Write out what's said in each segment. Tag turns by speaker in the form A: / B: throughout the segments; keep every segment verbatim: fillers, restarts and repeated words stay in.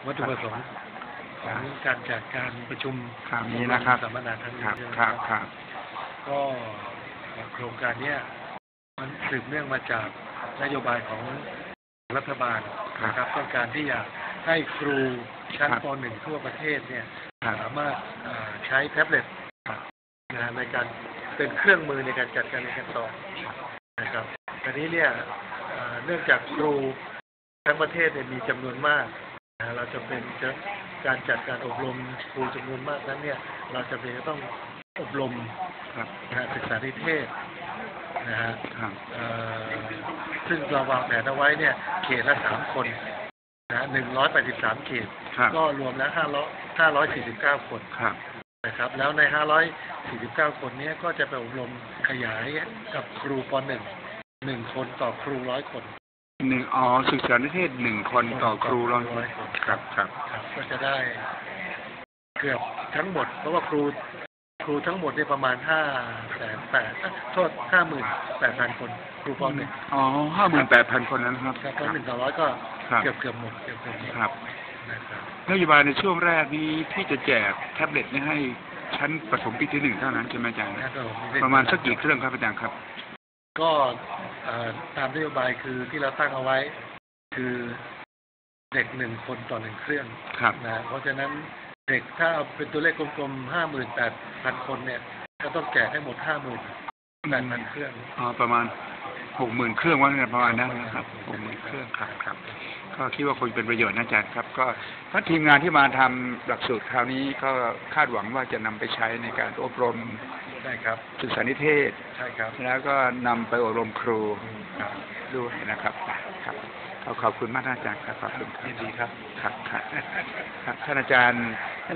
A: วัตถุประสงค์ของการจัดการประชุม
B: คราวนี้นะครับ
A: สัมมนาครั้งนี้
B: ครับครับ
A: ก็โครงการนี้มันสืบเนื่องมาจากนโยบายของรัฐบาลนะครับต้องการที่อยากให้ครูชั้นป หนึ่ง ทั่วประเทศเนี่ยสามารถใช้แท็บเล็ตในการเป็นเครื่องมือในการจัดการเรียนการสอนนะครับทีนี้เนี่ยเนื่องจากครูทั้งประเทศเนี่ยมีจำนวนมากเราจะเป็นการจัดการอบรมครูจำนวนมากนั้นเนี่ยเราจะเป็นต้องอบรมศึกษานิเทศนะฮะซึ่งเราวางแผนเอาไว้เนี่ยเขตละสามคนนะหนึ่งร้อยแปดสิบสามเขตก็รวมแล้วห้าร้อยห้าร้อยสี่สิบเก้าคนนะครับแล้วในห้าร้อยสี่สิบเก้าคนนี้ก็จะไปอบรมขยายกับครูป หนึ่ง หนึ่งคนต่อครูร้อยคน
B: หนึ่งอ๋อศึกษานิเทศหนึ่งคนต่อครูร้อยคนครับครับ
A: ก็จะได้เกือบทั้งหมดเพราะว่าครูครูทั้งหมดเนี่ยประมาณห้าแสนแปดโทษห้าหมื่นแปดพันคนครูป หนึ่ง
B: อ๋อห้าหมื่นแปดพันคนนั้นครับ
A: ป หนึ่งต่อร้อยก็เกือบเกือบหมดเกือบเกือบหมด
B: ครับนโยบายในช่วงแรกนี้ที่จะแจกแท็บเล็ตนี้ให้ชั้นประถมปีที่หนึ่งเท่านั้นใช่ไหมอาจารย์ประมาณสักกี่เครื่องครับอาจารย์ครับ
A: ก็ตามนโยบายคือที่เราตั้งเอาไว้คือเด็กหนึ่งคนต่อหนึ่งเครื่องนะเพราะฉะนั้นเด็กถ้าเอาเป็นตัวเลขกลมๆห้าหมื่นแปดพันคนเนี่ยก็ต้องแจกให้หมดห้าหมื่นแปดพันเครื่อง
B: อ๋อประมาณหกหมื่นเครื่องว่าไงประมาณนั้นนะครับหกหมื่นเครื่องครับครับก็คิดว่าคงเป็นประโยชน์นะอาจารย์ครับก็ถ้าทีมงานที่มาทำหลักสูตรคราวนี้ก็คาดหวังว่าจะนำไปใช้ในการอบรม
A: ใช่ครับ
B: ศึกษานิเทศ
A: ใช่ครับ
B: แล้วก็นำไปอบรมครูด้วยนะครับครับขอบคุณมากอาจารย์ครับขอบคุณครับ
A: ดีครับ
B: ครับครับท่านอาจารย์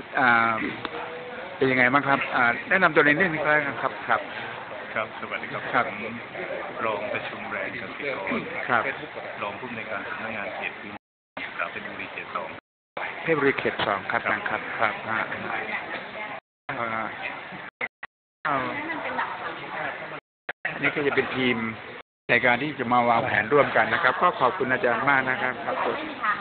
B: เป็นยังไงบ้างครับแนะนำตัวในเรื่องนี้ก็ได้ครับครับ
C: ครับสวัสดีครับครับรองประชุมแรงกสิกร
B: ครับ
C: รองผู้อำนวยการสำนักงานเขตพื้นที่เพชรบุรีเขตสอง
B: เพชรบุรีเขตสองครับครับครับนี่ก็จะเป็นทีมในการที่จะมาวางแผนร่วมกันนะครับก็ขอบคุณอาจารย์มากนะครับครับ